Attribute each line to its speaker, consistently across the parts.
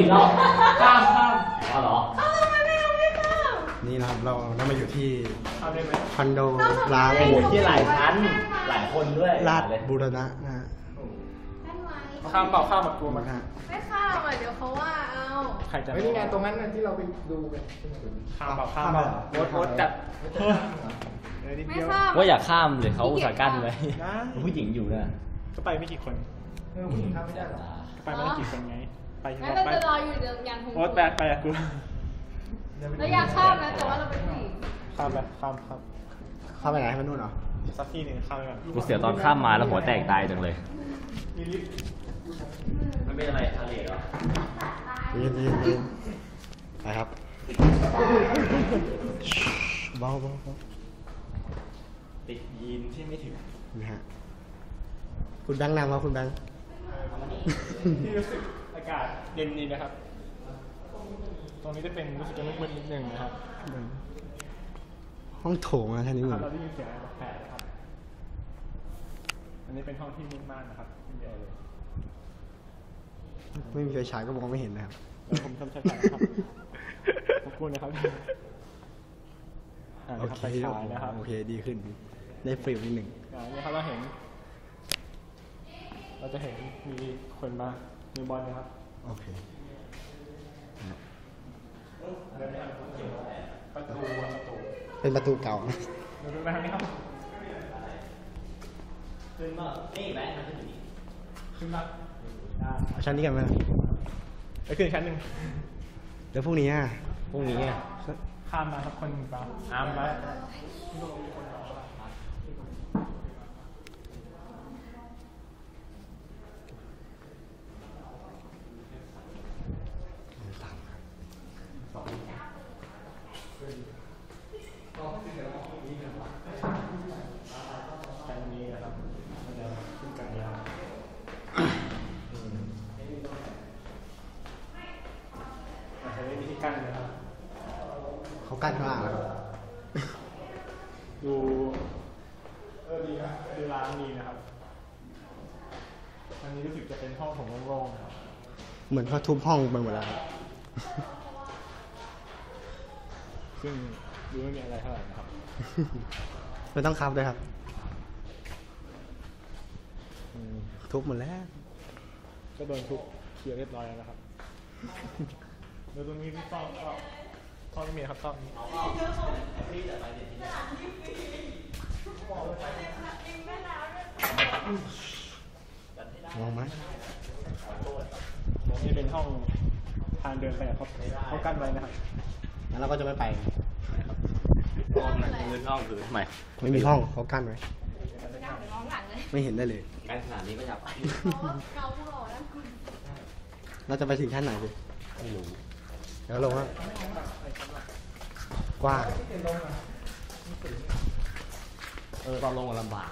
Speaker 1: เราข้ามอ๋อเหรอ
Speaker 2: นี่นะครับเรามาอยู่ที่
Speaker 1: ข้ามได้ไหม
Speaker 2: คอนโดร้าง
Speaker 1: โอ้โหที่หลายชั้นหลายคนด้วย
Speaker 2: ลาดบูรณะนะฮะ
Speaker 1: ข้ามเปล่าข้ามแบบกลัวมั้ย
Speaker 3: ไม่ข้ามอ่ะเดี๋ยวเขาว่าเอา
Speaker 1: ใครจะ
Speaker 4: นี่ไงตรงนั้นที่เราไปดูกัน
Speaker 1: ข้ามเปล่าข้ามเปล่าโอ๊ตจัด
Speaker 3: ไม่ข้าม
Speaker 5: ว่าอยากข้ามเลยเขาอุตส่าห์กั้นไว้ผู้หญิงอยู่นะ
Speaker 1: ก็ไปไม่กี่คน
Speaker 4: ผู้หญิงข้ามไม่ได้หรอ
Speaker 1: ไปไม่ได้กี่คนไงไป
Speaker 3: งั้นเราจะรออยู่เดี๋ยวอย่างคง
Speaker 1: โอ๊ตไปอะกู
Speaker 3: เราอยากข้ามนะแต่ว่าเราเป็นผู้หญิง
Speaker 1: ข้ามไปข้าม
Speaker 2: เข้าไปไหนให้มันนู่นเหรอ
Speaker 1: สักที่หนึ่งข้ามไปก่อน
Speaker 5: กูเสียตอนข้ามมาแล้วหัวแตกตายจังเลย
Speaker 1: มีลิฟต์
Speaker 5: มันเป็นอะไรทะเลเหรอ
Speaker 2: ยืนไปครับเบา
Speaker 1: ติดยีนที่ไม่ถึง
Speaker 2: นะฮะคุณแบงค์นำครับคุณแบงค์
Speaker 1: ที่รู้สึกอากาศเย็นดีนะครับ ตรงนี้จะเป็นรู้สึกจะมืดๆนิดนึงนะครับ
Speaker 2: ห้องโถงนะท่านนี้เหมือน
Speaker 1: เราได้ยินเสียงอะไรแปลกๆนะครับ อันนี้เป็นห้องที่มืดมากนะครับไม่มีอะไรเลย
Speaker 2: ไม่มีไฟฉายก็มองไม่เห็นนะครับ
Speaker 1: แล้วผมทำใช้ถ่ายนะครับขอบคุณนะครับ
Speaker 2: โอเค
Speaker 1: ไปฉายนะครับ
Speaker 2: โอเคดีขึ้นได้ฟิลนิดหนึ่ง
Speaker 1: นี่ครับเราจะเห็นมีคนมามีบอลนะครับ
Speaker 2: โอเค
Speaker 1: ประตู
Speaker 2: เป็นประตูเก่านะ
Speaker 1: ดูมาทางนี้ครับ
Speaker 5: ขึ้นมานี่แบงค์มันขึ้นอยู่นี่
Speaker 1: ขึ้นมา
Speaker 2: เอาชั้นนี้กันไหม
Speaker 1: ไปขึ้นชั้นหนึ่ง
Speaker 2: แล้วพรุ่งนี้อ่ะ
Speaker 5: พรุ่งนี้อะ
Speaker 1: ข้ามมาสักคนเปล่าอามไป ชั้นนี้นะครับมันจะขึ้นกันยาวอาจจะไม่มีที่กั้นนะครับ
Speaker 2: เขากั้นข้างล่างแล้วครับ
Speaker 1: ดูดีนะดูร้านดีนะครับอันนี้รู้สึกจะเป็นห้องของโล่งๆนะครับ
Speaker 2: เหมือนเขาทุบห้องไปหมดแล้วครับ
Speaker 1: ซึ่งดูไม่มีอะไรเท่าไหร่นะครับ
Speaker 2: ไม่ต้องคับด้วยครับทุบหมดแล้ว
Speaker 1: ก็โดนทุบเคลียร์เรียบร้อยแล้วนะครับแล้วตรงนี้ที่ซ่อมก็ซ่อมไม่มีครับซ่อมนี้
Speaker 2: มองไหม
Speaker 1: นี่เป็นห้องทางเดินไปอะเขากั้นไว้นะครับ
Speaker 2: งั้นเราก็จะไม่ไป
Speaker 5: ห้องพื้นห้องพื้นทำไม
Speaker 2: ไม่มีห้องเขากั้นไว้
Speaker 3: ร้องหลังเลย
Speaker 2: ไม่เห็นได้เลย
Speaker 5: การขนาดนี้ก็อยากไป
Speaker 3: เกาผู้หล่อแล้วคุณ
Speaker 2: เราจะไปถึงชั้นไหนพี่
Speaker 5: ไม่รู้
Speaker 2: เดี๋ยวลงครับกว้าง
Speaker 5: ตอนลงลำบาก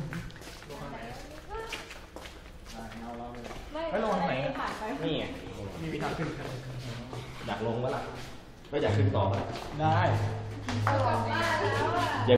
Speaker 1: ไม่ลงทางไหน
Speaker 3: ผ่านไป
Speaker 5: นี่ไง
Speaker 1: มีวิธีขึ้น
Speaker 5: อยากลงปะล่ะไม่อยากขึ้นต่อปะล่ะ
Speaker 1: ได้
Speaker 3: เอากลับบ้านแล้วอ่ะ